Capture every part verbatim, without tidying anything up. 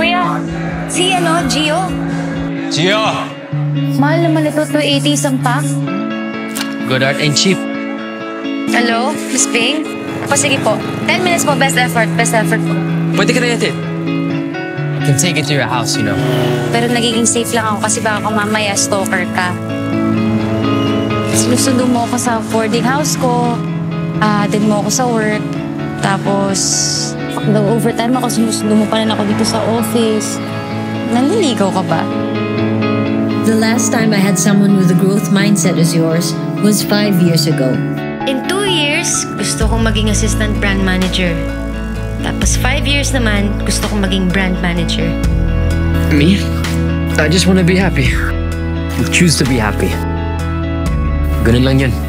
kuya. Si ano, Gio. Gio! Mahal naman ito, two eighty isang pack. Good art ain't cheap. Hello, Miss Ping? O sige po, ten minutes po, best effort, best effort po. Pwede ka na yatin. I can take it to your house, you know. Pero nagiging safe lang ako kasi baka mamaya stalker ka. Sinusundo mo ako sa boarding house ko, ah, din mo ako sa work, tapos pag nag-overtime ako, sinusundo mo pa rin ako dito sa office. Nanliligaw ka ba? The last time I had someone with a growth mindset as yours was five years ago. In two years, gusto kong maging assistant brand manager. Tapos five years naman, gusto kong maging brand manager. Me? I just wanna be happy. Choose to be happy. Ganun lang yun.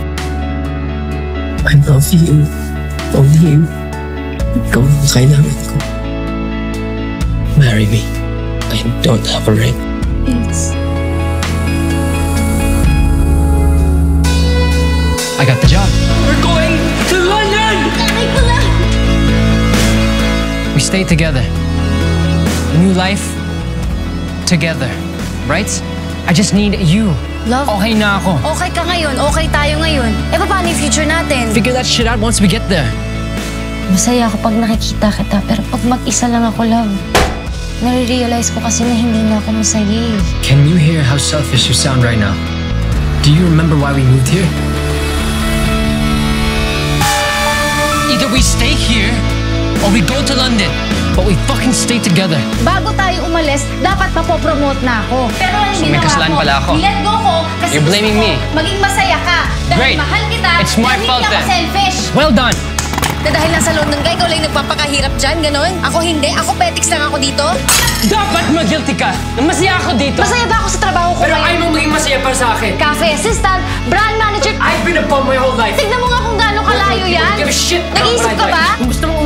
I love you. Only you. Ikaw ang kailangan ko. Marry me. I don't have a ring. Yes. I got the job. We're going to London! We stay together. New life, together. Right? I just need you. Love, Okay na ako. okay ka ngayon, okay tayo ngayon. Eh, paano yung future natin? Figure that shit out once we get there. Masaya ako pag nakikita kita, pero pag mag-isa lang ako, love, nare-realize ko kasi na hindi na ako masaya eh. Can you hear how selfish you sound right now? Do you remember why we moved here? Either we stay here, or we go to London. But we fucking stay together. Bago tayo umalis, dapat mapopromote na ako. Pero ang So, may ginawa kasalanan ko, pala ako. let go ko kasi You're gusto blaming ko me. maging masaya ka. Dahil Great. mahal kita, It's my dahil fault hindi ako then. selfish. Well done! Na dahil nasa London ka, ikaw lang yung nagpapakahirap dyan, ganon? Ako hindi, ako petics lang ako dito. Dapat mag-guilty ka na masaya ako dito. Masaya ba ako sa trabaho ko Pero ngayon? ayaw mo maging masaya para sa akin. Cafe assistant, brand manager. I've been a bum my whole life. Tignan mo nga kung gaano kalayo yan. Give a shit about Nag-iisip my ka life. ba? Kung gusto mong